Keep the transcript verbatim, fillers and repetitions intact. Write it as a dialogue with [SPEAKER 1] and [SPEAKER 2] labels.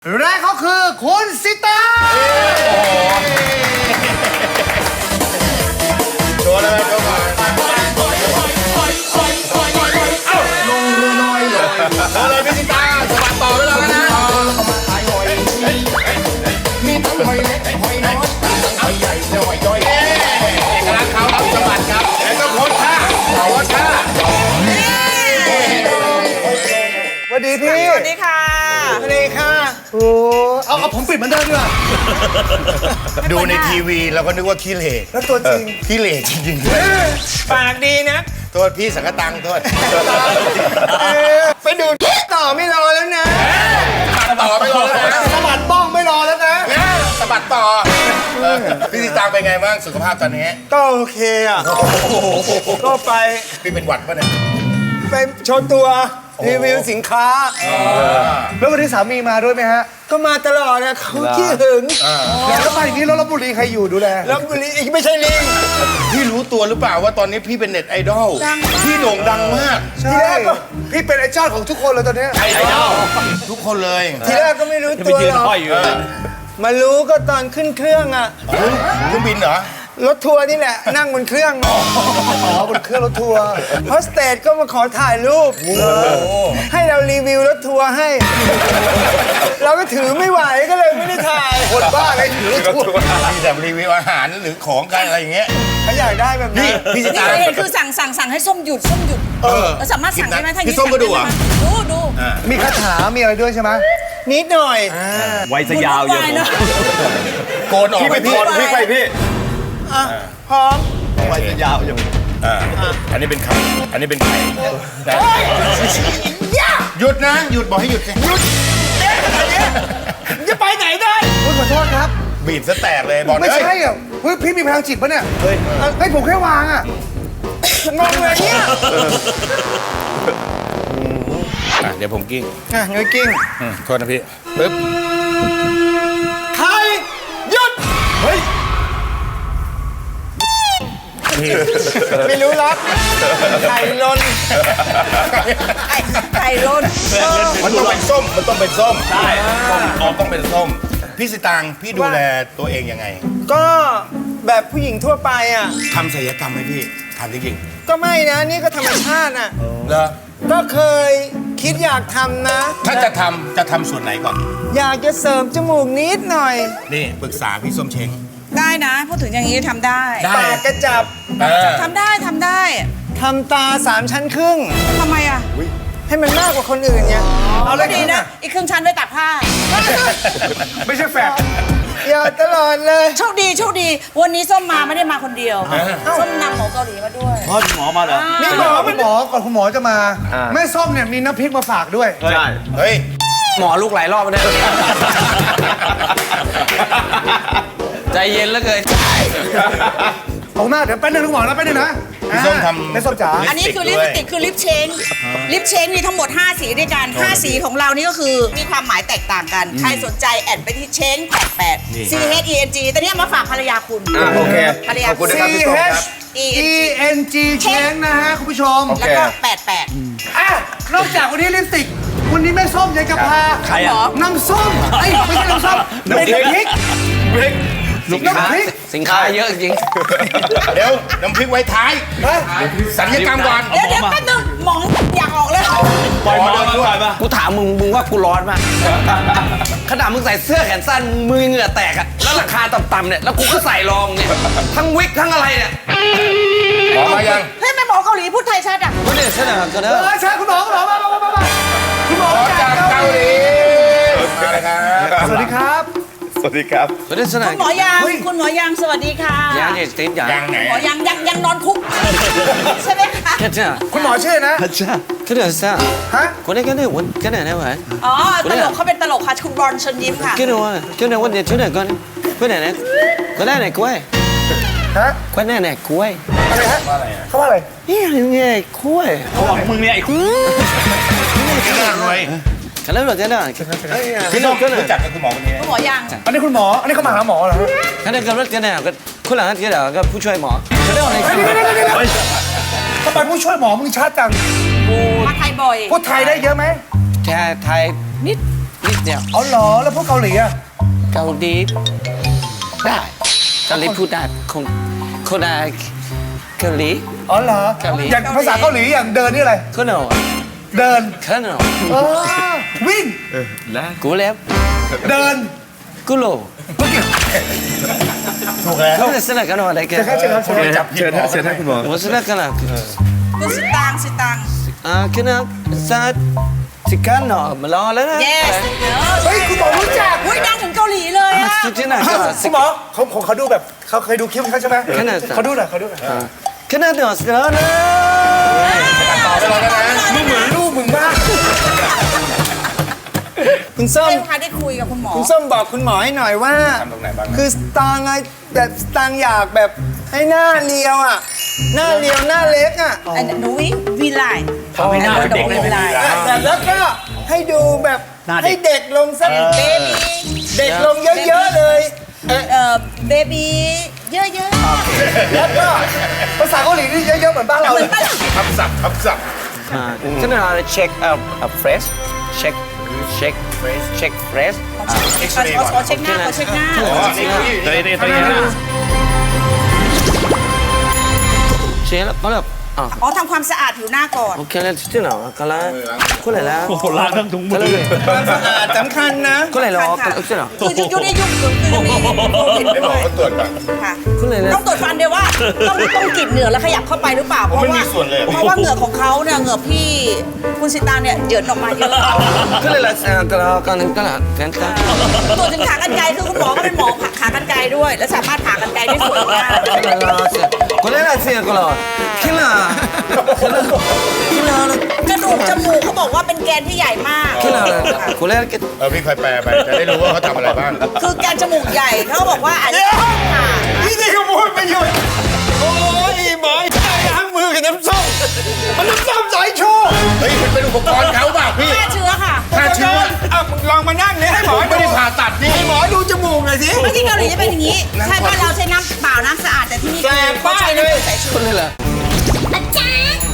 [SPEAKER 1] และเขาคือคุณสิตาง
[SPEAKER 2] โชว์เลยโชว์ก่อนเอ้าลงเรือลอยเลยโชว์เลยพี่สิตางสวัสดต่อไปแล้วนะมีทั้งหอยเล็กหอยน้อยหอยใหญ่และหอยย่อยเอกลักษณ์เขาครับสวัสดครับแล้วก็โพสท่าโพสท่า
[SPEAKER 1] สวัสดีพี่
[SPEAKER 3] สวัสดีค่ะ
[SPEAKER 1] สวัสดีค่ะโอ้เอาเอาผมปิดเหมือนเดิมดีกว่า
[SPEAKER 2] ดูในทีวีเราก็นึกว่าขี้เหร่
[SPEAKER 1] แล้วตัวจริง
[SPEAKER 2] ขี้เหร่จริงๆด้วย
[SPEAKER 3] ปากดีนะ
[SPEAKER 2] โทษพี่สังกตังโทษ
[SPEAKER 3] ไปดูต่อไม่รอแล้วนะ
[SPEAKER 2] สะบัดต่อไปรอแล้วนะ
[SPEAKER 1] สะบัดบ้องไม่รอแล้วนะ
[SPEAKER 2] สะบัดต่อเออพี่สิตางเป็นไงบ้างสุขภาพตอนนี้
[SPEAKER 3] ก็โอเคอ่ะ ก็ไป
[SPEAKER 2] พี่เป็นหวัดปะเนี่ย
[SPEAKER 3] ไปโชว์ตัวรีวิวสินค้า
[SPEAKER 1] แล้ววันนี้สามีมาด้วยไหมฮะ
[SPEAKER 3] ก็มาตลอดนะเขาขี้หึง
[SPEAKER 1] แล้วมาอย่างนี้แล้วลพบุรีใครอยู่ดูแล
[SPEAKER 3] แล้วบุรีอีกไม่ใช่ลิง
[SPEAKER 2] พี่รู้ตัวหรือเปล่าว่าตอนนี้พี่เป็นเน็ตไอดอลพี่โด่งดังมาก
[SPEAKER 1] ใช่พี่เป็นไอ้เจ้าของทุกคนเลยตอนนี้
[SPEAKER 2] ไอดอลทุกคนเลย
[SPEAKER 3] ทีแรกก็ไม่รู้ตัวหรอก
[SPEAKER 2] เออ
[SPEAKER 3] มารู้ก็ตอนขึ้นเครื่องอ่ะ
[SPEAKER 2] เฮ้ยเครื่องบินเหรอ
[SPEAKER 3] รถทัวร์นี่แหละ นั่งบนเครื่อง
[SPEAKER 1] อ๋อบนเครื่องรถทัวร์
[SPEAKER 3] โฮสเตสก็มาขอถ่ายรูป ให้เรารีวิวรถทัวร์ให้ เราก็ถือไม่ไหวก็เลยไม่ได้ถ่าย
[SPEAKER 1] คนบ้าเลยถือรถทัวร์
[SPEAKER 2] มีแต่รีวิวอาหารหรือของกันอะไรอย่างเงี้ย
[SPEAKER 3] เขาอยากได้แบบนี้
[SPEAKER 2] นี่พี่สิ
[SPEAKER 4] นี่
[SPEAKER 2] ตาง
[SPEAKER 4] เคยเห็นคือสั่งสั่งสั่งให้ส้มหยุดส้มหยุด
[SPEAKER 2] เออ
[SPEAKER 4] เราสามารถสั่งได้ไหมถ้า
[SPEAKER 2] พี่ส้มก็ดูเหรอ
[SPEAKER 4] ดูดู
[SPEAKER 1] มีคาถามีอะไรด้วยใช่ไหม
[SPEAKER 3] นิดหน่อย
[SPEAKER 5] ไว้ซะยาว
[SPEAKER 4] วุ่
[SPEAKER 5] เย
[SPEAKER 4] น
[SPEAKER 5] อะ
[SPEAKER 4] วายเนอะ
[SPEAKER 2] โกนออกไปพี่
[SPEAKER 4] พี่ไปพี่
[SPEAKER 3] อ่ะ พร้อม
[SPEAKER 5] ไว้ซะยาวเยอะ
[SPEAKER 2] อ่าอันนี้เป็นไข่อันนี้เป็นไข่นะหยุดนะหยุดบอกให้หยุดสิหยุด
[SPEAKER 3] จะไปไหนได้
[SPEAKER 1] คุณขอโทษครับ
[SPEAKER 2] บีบซะแตกเลยบอก
[SPEAKER 1] ไม่
[SPEAKER 2] เฮ้ย
[SPEAKER 1] ใช่อ่ะเฮ้ยพี่มีพลังจิตปะเนี่ยเฮ้ยให้ผมแค่วางอ่ะ
[SPEAKER 3] งงเลยเนี่ย
[SPEAKER 2] อ่ะเดี๋ยวผมกิ้ง
[SPEAKER 3] อ่ะเงยกิ้ง
[SPEAKER 2] อืมโทษนะพี่ปึ๊บ
[SPEAKER 3] ใครหยุด
[SPEAKER 2] พี่
[SPEAKER 3] ไม่รู้ล็อกไข่ลน
[SPEAKER 4] ไก่ไก่ล้น
[SPEAKER 2] มันต้องเป็นส้มมันต้องเป็นส้มใช่ส้มออกต้องเป็นส้มพี่สิตางพี่ดูแลตัวเองยังไง
[SPEAKER 3] ก็แบบผู้หญิงทั่วไปอ่ะ
[SPEAKER 2] ทำศัลยกรรมไหมพี่ทำจริง
[SPEAKER 3] ก็ไม่นะ นี่ก็ธรรมชาติอ่ะ
[SPEAKER 2] ๆเหรอ
[SPEAKER 3] ก็เคยคิดอยากทำนะ
[SPEAKER 2] ถ้าจะทำจะทำส่วนไหนก่อน
[SPEAKER 3] อยากจะเสริมจมูกนิดหน่อย
[SPEAKER 2] นี่ปรึกษาพี่ส้มเช้ง
[SPEAKER 4] ได้นะพูดถึงอย่างนี้ทำได้
[SPEAKER 2] ได้
[SPEAKER 3] ปากกระจับ
[SPEAKER 2] เออ
[SPEAKER 4] ทำได้ทำได้
[SPEAKER 3] ทำตาสามชั้นครึ่ง
[SPEAKER 4] ทำไมอ่ะ
[SPEAKER 3] ให้มันมากกว่าคนอื่นไง
[SPEAKER 4] เอาเลยดีนะ อีกครึ่งชั้นไว้ตักผ้า
[SPEAKER 1] ไม่ใช่แฟด
[SPEAKER 3] อย่าตลอดเลย
[SPEAKER 4] โชคดีโชคดี วันนี้ส้มมาไม่ได้มาคนเดียว ส้มนำหมอเกาหลีมาด้วย
[SPEAKER 5] พ่อหมอมาเหรอ
[SPEAKER 1] นี่หมอคุณหมอก่อนคุณหมอจะมา แม่ส้มเนี่ยมีน้ำพริกมาฝากด้วย
[SPEAKER 5] ใช่
[SPEAKER 2] เฮ้ย
[SPEAKER 6] หมอลูกหลายรอบแล้วเนี่ย ใจเย็นแล้วเกิน
[SPEAKER 1] ขอบคุณมากเดี๋ยวแป๊บนึงคุณหมอนะแป๊บนึงนะ
[SPEAKER 2] พี่ส้มทำ
[SPEAKER 1] แม่ส้มจ๋า
[SPEAKER 4] อันนี้คือลิปสติกคือลิปเชนลิปเชนมีทั้งหมด ห้า สีด้วยกัน ห้า สีของเรานี่ก็คือมีความหมายแตกต่างกัน ใครสนใจแอดไปที่เชนแปดแปด C H E N G แต่เนี่ยมาฝากภรรยาคุณ
[SPEAKER 5] โอเค
[SPEAKER 4] ภรรยา
[SPEAKER 5] ขอบคุณ
[SPEAKER 1] C
[SPEAKER 5] นะครับพี่ส้มครับ
[SPEAKER 4] E
[SPEAKER 1] E N G เชงนะฮะคุณผู้ชม
[SPEAKER 4] แล้วก็แปดแปด
[SPEAKER 1] อ่ะนอกจากวันนี้ลิปสติก วันนี้แม่ส้มยังกระพา
[SPEAKER 6] ใครอ่ะ
[SPEAKER 1] น้ำส้มไอ้ยไม่ใช่น้ำส้มเป็นน้ำพริก
[SPEAKER 6] สินค้าสินค้าเยอะจริง
[SPEAKER 2] เดี๋ยวน้ำพริกไว้ท้ายสัญญกรรมก่อน
[SPEAKER 4] เดี๋ยวเดี๋ยวแป๊บนึงหมองอยากออกเลย
[SPEAKER 5] ปล่อยหมอมาปล่อยมา
[SPEAKER 6] กูถามมึง มึงว่ากูร้อนมากขนาดมึงใส่เสื้อแขนสั้นมือเหงื่อแตกอะแล้วราคาต่ำๆเนี่ย แล้วกูก็ใส่รองเนี่ย ทั้งวิกทั้งอะไรเนี่ย
[SPEAKER 2] หมอมายัง
[SPEAKER 4] เฮ้ยแม่หมอเกาหลีพูดไทยชัดอ่ะ
[SPEAKER 6] ก็เนี่ยเสนอกันเน
[SPEAKER 1] เอ
[SPEAKER 6] อะ
[SPEAKER 1] อใช่คุณหมอคุณหมอมามามามามาคุณหมอ
[SPEAKER 2] หมอ
[SPEAKER 1] จา
[SPEAKER 2] จาก ก
[SPEAKER 1] เกา
[SPEAKER 2] เกา
[SPEAKER 1] ห
[SPEAKER 2] ห
[SPEAKER 1] ลี
[SPEAKER 2] ลีมาเลยครับ
[SPEAKER 1] สวัสดีครับ
[SPEAKER 5] สวัสดีครับ
[SPEAKER 6] ก็เนี่ยเสนอ
[SPEAKER 4] คุณหมอยางคุณหมอยางสวัสดีค่ะ
[SPEAKER 6] ยังเนี่ยสติ๊กยัง
[SPEAKER 2] ยังไหน
[SPEAKER 4] หมอยางยังยังนอนคุกใช่ไหมคะ
[SPEAKER 6] แค่เจ้า
[SPEAKER 1] คุณหมอชื่อนะ
[SPEAKER 6] ก็เนี่ยเจ้า
[SPEAKER 1] ฮะ
[SPEAKER 6] คนนี้ก็เนี่ยวันก็เนี่ยนะวะ
[SPEAKER 4] อ๋อตลกเขาเป็นตลกค่ะคุณบอลเชิญยิ้มค่ะ
[SPEAKER 6] ก็เนี่ยว่าก็เนี่ยวันเดียวที่ไหนก่อนก็เนี่ยนะก็ได้ไหนกล้วย
[SPEAKER 1] ฮะ
[SPEAKER 6] ก็ได้ไหนกล้วย
[SPEAKER 1] อะไรฮะเขาว่าอะไร
[SPEAKER 6] นี่ยังไงกล้วย
[SPEAKER 5] เขาบอกมึงเนี่ยไอ้คุณ
[SPEAKER 2] พี่น่ารวย
[SPEAKER 6] กันแล้วเหรอกันแล้ว
[SPEAKER 2] พี่ส้มรู้จักกับคุณหมอคนนี้ไหม
[SPEAKER 4] คุณหมอยาง
[SPEAKER 1] อันนี้คุณหมออันนี้เขามาหาหมอเหรอฮะ
[SPEAKER 6] กันแล้วกันแล้วกันแล้วก็คนหลังกันแล้วก็ผู้ช่วยหมอกันแล้วอะไร
[SPEAKER 1] เฮ้ยเดี๋ยวเดี๋ยวเดี๋ยวเดี๋ยวทำไมผู้ช่วยหมอมึงชัดจัง
[SPEAKER 4] มาไทยบ่อย
[SPEAKER 1] พูดไทยได้เยอะไหม
[SPEAKER 6] แค่ไทยนิดนิดเดียว
[SPEAKER 1] อ๋อเหรอแล้วพวกเกาหลีอะ
[SPEAKER 6] เกาหลีได้เกาหลีพูดได้คนคนอะไรเกาหลี
[SPEAKER 1] อ๋อเหรอ
[SPEAKER 6] เกาหลี
[SPEAKER 1] อย่างภาษาเกาหลีอย่างเดินนี่อะไร
[SPEAKER 6] คนเหรอ
[SPEAKER 1] เดิน
[SPEAKER 6] คนเหรอ
[SPEAKER 1] เออวิ่ง
[SPEAKER 6] กูเล็บ
[SPEAKER 1] เดิน
[SPEAKER 6] กูโล
[SPEAKER 2] ถูกแล้ว
[SPEAKER 6] เขาจะสนับกันอะไรกัน
[SPEAKER 1] เชิญครับเชิญครับ
[SPEAKER 2] จับเชิญเชิญให้คุณหมอ
[SPEAKER 6] ผมสนับกันอะ
[SPEAKER 4] คุณสิตังสิตัง
[SPEAKER 6] อ่าคือนะสัตสิกันเนาะมารอแล้วนะ
[SPEAKER 4] yes
[SPEAKER 1] เฮ้ยคุณหมอรู้จัก
[SPEAKER 4] อุ้ยดังถึงเกาหลีเลยอะ
[SPEAKER 6] สุดที่ไหนกันอะ
[SPEAKER 1] คุณหมอเขาเขาเขาดูแบบเขาเคยดูคลิปเขาใช่ไหม
[SPEAKER 6] ขนาด
[SPEAKER 1] เขาดูหน่อยเขาดูหน่อย
[SPEAKER 6] ขนาดเนาะสนานะ
[SPEAKER 1] มึงเหมือนลูกมึงมาก
[SPEAKER 3] คุณส้ม
[SPEAKER 4] เรื่องคะได้คุยกับคุณหมอ
[SPEAKER 3] คุณส้มบอกคุณหมอให้หน่อยว่า คือสตางค์ไงแบบสตางค์อยากแบบให้หน้าเรียวอ่ะ หน้าเรียวหน้าเล็กอ่ะ
[SPEAKER 4] อันหนูวิวีไลน์
[SPEAKER 5] ทำให้หน้าเป็นเด็กได้ไหม
[SPEAKER 3] แต่แล้วก็ให้ดูแบบให้เด็กลงสัก
[SPEAKER 4] เบบี้
[SPEAKER 3] เด็กลงเยอะๆเลย
[SPEAKER 4] เอ่อเบบี้เยอะ
[SPEAKER 1] แล้วก็ภาษาเกาหลีนี่เยอะๆเหมือนบ้านเรา
[SPEAKER 4] ๆเหมื
[SPEAKER 1] เล
[SPEAKER 4] อย นปะล่ะ
[SPEAKER 2] ทับศัพท์ทับศัพท์
[SPEAKER 6] อ่าขนาดเช็คเอ่อเอ่อเฟรชเช็คเช็คเช็คเฟรช
[SPEAKER 4] ขอขอเช็คหน้าขอเช็คหน้า
[SPEAKER 2] อ๋อนี่นี่
[SPEAKER 5] ตัวนี้ตัวนี้
[SPEAKER 6] เช็คแล้วก็แบบอ่ะ
[SPEAKER 4] อ๋อทำความสะอาดผิวหน้าก่อน
[SPEAKER 6] โอเคแล้วที่ไหนก็แล้วก็เลยแล้ว
[SPEAKER 5] โอ้โหล้างทั้งถุงมื
[SPEAKER 6] ก็
[SPEAKER 5] อ
[SPEAKER 6] เลย
[SPEAKER 3] ความสะอาดสำคัญนะ
[SPEAKER 6] ก็เลยรอก็เลยที่ไหน
[SPEAKER 4] คือยุคในยุคคือมีโควิด
[SPEAKER 2] ให้หม
[SPEAKER 4] ด้
[SPEAKER 2] อ
[SPEAKER 4] วย
[SPEAKER 2] เขาตรวจก่อน
[SPEAKER 4] ค่ะ
[SPEAKER 6] ก็เลยแล้ว
[SPEAKER 4] ต้องตรวจฟันเดียวว่าต้องต้องกรีดเหงื่อแล้วขยับเข้าไปหรือเปล่า เพราะ
[SPEAKER 2] ไม่มี
[SPEAKER 4] ว่า
[SPEAKER 2] ส่วนเลย
[SPEAKER 4] เพราะว่าเหงื่อของเขาเนี่ยเหงื่อพี่คุณสิตางเนี่ยเหยินออกมาเยอะ
[SPEAKER 6] ก็เลยแล้วก็แล้วก็นึงก็แล้วกันกัน
[SPEAKER 4] ตรวจถึงขากรรไกรคือคุณหมอก็เป็นหมอผ่าขากรรไกรด้วย และสามารถผ่ากรรไกรได้สวยมาก
[SPEAKER 6] ก็เลยแล้วก็เลยแล้วสิก็แล้วคิดละคิดละคิดละ
[SPEAKER 4] กระดูกจมูกเขาบอกว่าเป็นแกนที่ใหญ่มาก
[SPEAKER 6] คิดละก็เลยก็
[SPEAKER 2] เออพี่คอยแปลไปจะได้รู้ว่าเขาทำอะไรบ้าง
[SPEAKER 4] คือแกนจมูกใหญ่เขาบอกว่าอาจจะต้องผ่า
[SPEAKER 3] นี่นี่เขาพูดไม่หยุดโอ้ยหมอใช้ล้างมือกับน้ำส้มมันน้ำส้มสายชู
[SPEAKER 2] เฮ้ยมันเป็นอุปกรณ์เขาเปล่าพี่
[SPEAKER 4] ฆ่าเชื้อค่ะ
[SPEAKER 2] ฆ่าเชื้อ
[SPEAKER 3] อ่ะมึงลองมานั่งนี่ให้หมอ
[SPEAKER 2] ไม่
[SPEAKER 3] ดู
[SPEAKER 2] ได้ผ่าตัดนี่
[SPEAKER 3] ให้หมอดูจมูกหน่อยสิ
[SPEAKER 4] เมื่อกี้เกาหลีจะเป็นอย่างนี้ ใช่บ้านเราใช้น้ำเปล่าน้ำสะอาดแต่ที่นี่
[SPEAKER 3] แสบ
[SPEAKER 4] เขาใช้
[SPEAKER 3] มากเลย
[SPEAKER 4] น้ำใสชู
[SPEAKER 6] ก็เลยแล้ว
[SPEAKER 7] อาจารย์